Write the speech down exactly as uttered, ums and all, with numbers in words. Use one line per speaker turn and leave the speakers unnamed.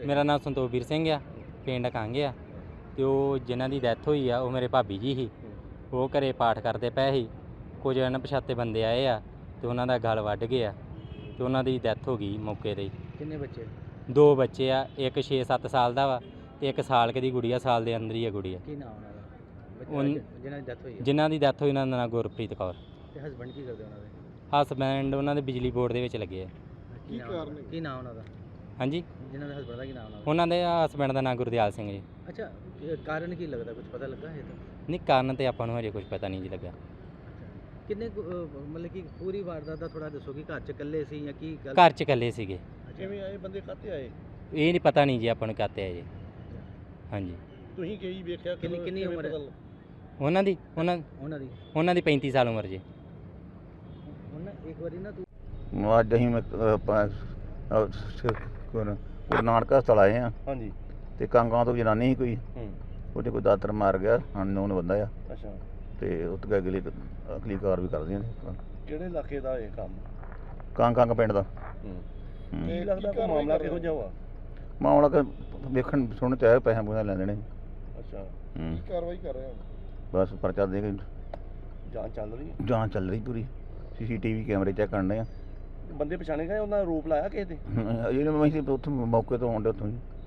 ਮੇਰਾ ਨਾਮ ਸੰਤੋਖਵੀਰ ਸਿੰਘ ਆ, ਪਿੰਡ ਕੰਗ ਆ। ਤੇ ਉਹ ਜਿਨ੍ਹਾਂ ਦੀ ਡੈਥ ਹੋਈ ਆ ਉਹ ਮੇਰੇ ਭਾਬੀ ਜੀ ਸੀ। ਉਹ ਘਰੇ ਪਾਠ ਕਰਦੇ ਪਏ ਸੀ, ਕੁਝ ਅਣਪਛਾਤੇ ਬੰਦੇ ਆਏ ਆ ਤੇ ਉਹਨਾਂ ਦਾ ਗਲ ਵੱਢ ਗਿਆ ਤੇ ਉਹਨਾਂ ਦੀ ਡੈਥ ਹੋ ਗਈ ਮੌਕੇ 'ਤੇ ਹੀ।
ਕਿੰਨੇ ਬੱਚੇ?
ਦੋ ਬੱਚੇ ਆ, ਇੱਕ ਛੇ ਸੱਤ ਸਾਲ ਦਾ ਵਾ ਤੇ ਇੱਕ ਸਾਲ ਕੁ ਦੀ ਗੁੜੀਆ, ਸਾਲ ਦੇ ਅੰਦਰ ਹੀ ਆ ਗੁੜੀਆ।
ਕੀ ਨਾਮ ਉਹਨਾਂ ਦਾ
ਉਨ-
ਜਿਹਨਾਂ ਦੀ ਡੈਥ ਹੋਈ ਹੈ?
ਜਿਨ੍ਹਾਂ ਦੀ ਡੈਥ ਹੋਈ ਉਹਨਾਂ ਦਾ ਨਾਂ ਗੁਰਪ੍ਰੀਤ ਕੌਰ।
ਤੇ ਹਸਬੰਡ ਕੀ ਕਰਦੇ ਉਹਨਾਂ ਦੇ?
ਹਸਬੈਂਡ ਉਹਨਾਂ ਦੇ ਬਿਜਲੀ ਬੋਰਡ ਦੇ ਵਿੱਚ ਲੱਗੇ ਆ।
ਕੀ ਕਾਰਨ? ਕੀ ਨਾਮ ਉਹਨਾਂ ਦਾ?
ਹਾਂਜੀ,
ਜਿਹਨਾਂ ਦੇ ਹਸਬੰਡ ਦਾ ਕੀ ਨਾਮ ਉਹਨਾਂ ਦਾ?
ਉਹਨਾਂ ਦੇ ਹਸਬੈਂਡ ਦਾ ਨਾਂ ਗੁਰਦਿਆਲ ਸਿੰਘ ਜੀ।
ਅੱਛਾ, ਇਹ ਕਾਰਨ ਕੀ ਲੱਗਦਾ, ਕੁਝ ਪਤਾ ਲੱਗਾ ਹੈ ਤਾਂ?
ਨਹੀਂ, ਕਾਰਨ ਤੇ ਆਪਾਂ ਨੂੰ ਹਜੇ ਕੁਝ ਪਤਾ ਨਹੀਂ ਜੀ ਲੱਗਾ।
ਕਿੰਨੇ ਕੁ, ਅਹ, ਮਤਲਬ ਕਿ ਪੂਰੀ ਵਾਰਦਾਤ ਦਾ ਥੋੜਾ ਦੱਸੋ ਕਿ ਘਰ ਚ ਇਕੱਲੇ ਸੀ ਜਾਂ ਕੀ ਗੱਲ?
ਘਰ 'ਚ ਇਕੱਲੇ ਸੀਗੇ।
ਕਿਵੇਂ ਆਏ ਬੰਦੇ, ਕਾਹਤੇ ਆਏ?
ਇਹ ਨਹੀਂ ਪਤਾ ਨਹੀਂ ਜੀ ਆਪਾਂ ਨੂੰ ਕਾਤੇ ਆ ਜੀ। ਹਾਂਜੀ,
ਤੁਸੀਂ ਕੀ ਵੇਖਿਆ? ਕਿੰਨੀ ਕਿੰਨੀ ਉਮਰ ਹੈ
ਉਹਨਾਂ ਦੀ ਉਹਨਾਂ
ਉਹਨਾਂ ਦੀ?
ਉਹਨਾਂ ਦੀ ਪੈਂਤੀ ਸਾਲ ਉਮਰ ਜੀ।
ਉਹਨਾਂ ਇੱਕ ਵਾਰੀ ਨਾ ਤੂੰ
ਅੱਜ ਅਸੀਂ ਮੈਂ ਆਪਾਂ ਗੁਰੂ ਨਾਨਕ ਹਸਪਤਾਲ ਆਏ ਹਾਂ।
ਹਾਂਜੀ।
ਤੇ ਕਾਂਗਾਂ ਤੋਂ ਜਨਾਨੀ ਸੀ ਕੋਈ,
ਹੂੰ।
ਉਹਦੇ ਕੋਈ ਦਾਤਰ ਮਾਰ ਗਿਆ, ਅਨਨੋਨ ਬੰਦਾ ਆ।
ਅੱਛਾ।
ਤੇ ਉਹ ਤੋਂ ਅਗਲੀ ਅਗਲੀ ਕਾਰ ਵੀ ਕਰਦੀਆਂ ਨੇ।
ਕਿਹੜੇ ਇਲਾਕੇ ਦਾ ਇਹ ਕੰਮ?
ਕਾਂਗ ਕਾਂਗ ਪਿੰਡ ਦਾ।
ਹੂੰ।
ਹੂੰ।
ਕੀ ਲੱਗਦਾ ਕੋਈ ਮਾਮਲਾ ਕਿਹੋ ਜਿਹਾ ਵਾ?
ਮਾਮਲਾ ਕਿ ਵੇਖਣ ਸੁਣਨ ਤੇ ਆਇਆ, ਪੈਸੇ ਪੂਸੇ ਲੈਣ ਦੇਣੇ।
ਅੱਛਾ।
ਹੂੰ।
ਕਾਰਵਾਈ ਕਰ ਰਹੇ ਹੋ?
ਬਸ ਪਰਚਾ ਦੇ ਕੇ
ਜਾਂਚ ਚੱਲ ਰਹੀ ਹੈ?
ਜਾਂਚ ਚੱਲ ਰਹੀ ਪੂਰੀ। ਸੀਸੀਟੀਵੀ ਕੈਮਰੇ ਚੈੱਕ ਕਰਨੇ ਆ।
ਬੰਦੇ ਪਛਾਣੇ ਗਏ, ਉਹਨਾਂ ਦਾ ਰੂਪ ਲਾਇਆ ਕਿਸੇ ਦੇ?
ਜਿਹੜੇ ਮੈਂ ਉੱਥੇ ਮੌਕੇ ਤੋਂ ਆਉਂਦੇ ਉੱਥੋਂ ਹੀ